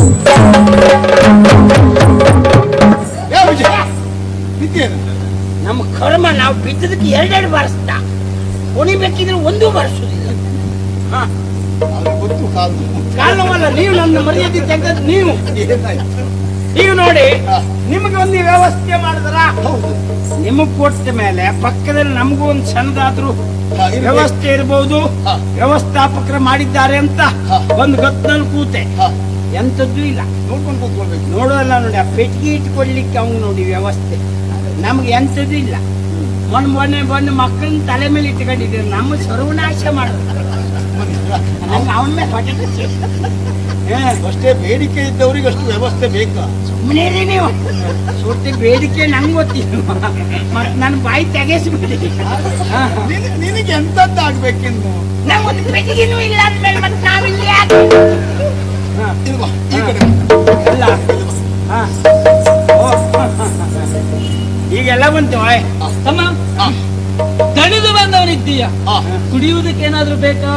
ನಮ್ಮ ಕರ್ಮ ನಾವು ಬಿದ್ದದಕ್ಕೆ ಎರಡೆರಡು ಬಾರಿಸ್ತಾ ಕುಣಿಬೇಕಿದ್ರೆ ಒಂದು ಬಾರಿಸೋದಿಲ್ಲ. ಕಾರಣವಲ್ಲ, ನೀವು ನನ್ನ ಮರ್ಯಾದೆ ತೆಗೆದ ನೀವು ನೋಡಿ, ನಿಮಗೆ ಒಂದು ವ್ಯವಸ್ಥೆ ಮಾಡಿದ್ರ ನಿಮಗ್ ಕೊಟ್ಟ ಮೇಲೆ ಪಕ್ಕದಲ್ಲಿ ನಮಗೂ ಒಂದು ಸಣ್ಣದಾದ್ರೂ ವ್ಯವಸ್ಥೆ ಇರಬಹುದು, ವ್ಯವಸ್ಥಾಪಕರು ಮಾಡಿದ್ದಾರೆ ಅಂತ ಒಂದು ಗತ್ತಲ್ಲಿ ಕೂತೆ. ಎಂತದ್ದು ಇಲ್ಲ, ನೋಡ್ಕೊಂಡು ಕೂತ್ಕೊಳ್ಬೇಕು. ನೋಡೋಲ್ಲ ನೋಡಿ, ಆ ಪೆಟ್ಟಿಗೆ ಇಟ್ಕೊಳ್ಲಿಕ್ಕೆ ಅವ್ನು ನೋಡಿ ವ್ಯವಸ್ಥೆ. ನಮ್ಗೆ ಎಂತದ್ದು ಇಲ್ಲ. ಮೊನ್ನೆ ಮಕ್ಕಳನ್ನ ತಲೆ ಮೇಲೆ ಇಟ್ಕೊಂಡಿದ್ದೀವಿ, ನಮ್ಮ ಸರ್ವನಾಶ ಮಾಡೋದು. ನಂಗೆ ಅವನ ಮೇಲೆ ಹೊಟ್ಟೆ ಅಷ್ಟೇ ಬೇಡಿಕೆ ಇದ್ದವ್ರಿಗೆ ಅಷ್ಟು ವ್ಯವಸ್ಥೆ ಬೇಕಾ? ಸುಮ್ಮನೆ ನೀವು ಸುಟ್ಟಿ ಬೇಡಿಕೆ ನಂಗೆ ಗೊತ್ತಿಲ್ಲ, ಮತ್ತೆ ನನ್ನ ಬಾಯಿ ತೆಗೆಸ್ಬಿಡಿ. ನಿನಗೆ ಎಂತದ್ದಾಗ್ಬೇಕಿನ್ನು? ನಮ್ಗೊಂದು ಪೆಟ್ಟಿಗೆನೂ ಇಲ್ಲ ಅಂದ್ಮೇಲೆ ಮತ್ತೆ ನಾವಿಲ್ಲಿ ಈಗೆಲ್ಲ ಬಂತು. ತಮ್ಮ ದಣಿದು ಬಂದವನಿದ್ದೀಯ, ಕುಡಿಯುವುದಕ್ಕೆ ಏನಾದ್ರೂ ಬೇಕಾ?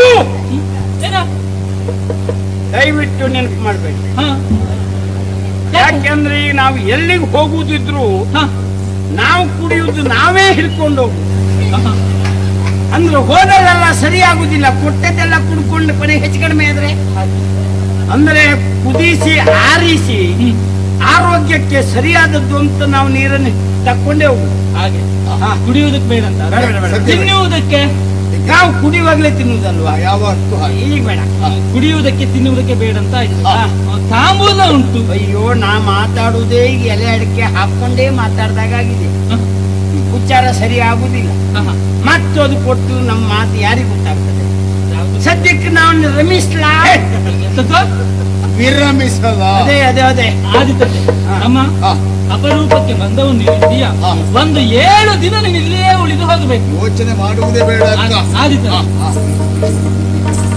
ದಯವಿಟ್ಟು ನೆನಪು ಮಾಡ್ಬೇಕು. ಯಾಕೆಂದ್ರೆ ನಾವು ಎಲ್ಲಿಗೆ ಹೋಗುದಿದ್ರು ನಾವು ಕುಡಿಯುವುದು ನಾವೇ ಹಿಡ್ಕೊಂಡು ಹೋಗುದು. ಅಂದ್ರೆ ಹೋದಲ್ಲೆಲ್ಲ ಸರಿಯಾಗುದಿಲ್ಲ, ಕೊಟ್ಟದೆಲ್ಲ ಕುಡ್ಕೊಂಡು ಕೊನೆ ಹೆಚ್ಚು ಕಡಿಮೆ ಆದ್ರೆ ಅಂದ್ರೆ ಕುದಿಸಿ ಆರಿಸಿ ಆರೋಗ್ಯಕ್ಕೆ ಸರಿಯಾದದ್ದು ಅಂತ ನಾವು ನೀರನ್ನು ತಕ್ಕೊಂಡೇ ಹೋಗುದು. ಹಾಗೆ ಕುಡಿಯುವುದಕ್ಕೆ ಬೇಡ ಅಂತ, ತಿನ್ನುವುದಕ್ಕೆ ನಾವು ಕುಡಿಯುವಾಗಲೇ ತಿನ್ನುವುದಲ್ವಾ? ಯಾವತ್ತು ಈಗ ಬೇಡ, ಕುಡಿಯುವುದಕ್ಕೆ ತಿನ್ನುವುದಕ್ಕೆ ಬೇಡ ಅಂತ ತಾಂಬೂಲ ಉಂಟು. ಅಯ್ಯೋ, ನಾ ಮಾತಾಡುವುದೇ ಈಗ ಎಲೆ ಅಡಿಕೆ ಹಾಕೊಂಡೇ ಮಾತಾಡ್ದಾಗಿದೆ. ಉಚ್ಚಾರ ಸರಿ ಆಗುದಿಲ್ಲ. ಮತ್ತದು ಕೊಟ್ಟು ನಮ್ಮ ಮಾತು ಯಾರಿಗೆ ಗೊತ್ತಾಗ್ತದೆ? ಸದ್ಯಕ್ಕೆ ನಾವು ರಮಿಸ್ಲಾ ವಿರಮಿಸಲ್ಲ. ಅದೇ ಅದೇ ಅದೇ ಆದಿತ್ಯ ಅಮ್ಮ, ಅಪರೂಪಕ್ಕೆ ಬಂದವು ನೀವಿದ್ದೀಯ, ಒಂದು 7 ದಿನ ನೀನು ಇಲ್ಲಿಯೇ ಉಳಿದು ಹೋಗಬೇಕು. ಯೋಚನೆ ಮಾಡುವುದೇ ಬೇಡ. ಆದಿತ್ಯ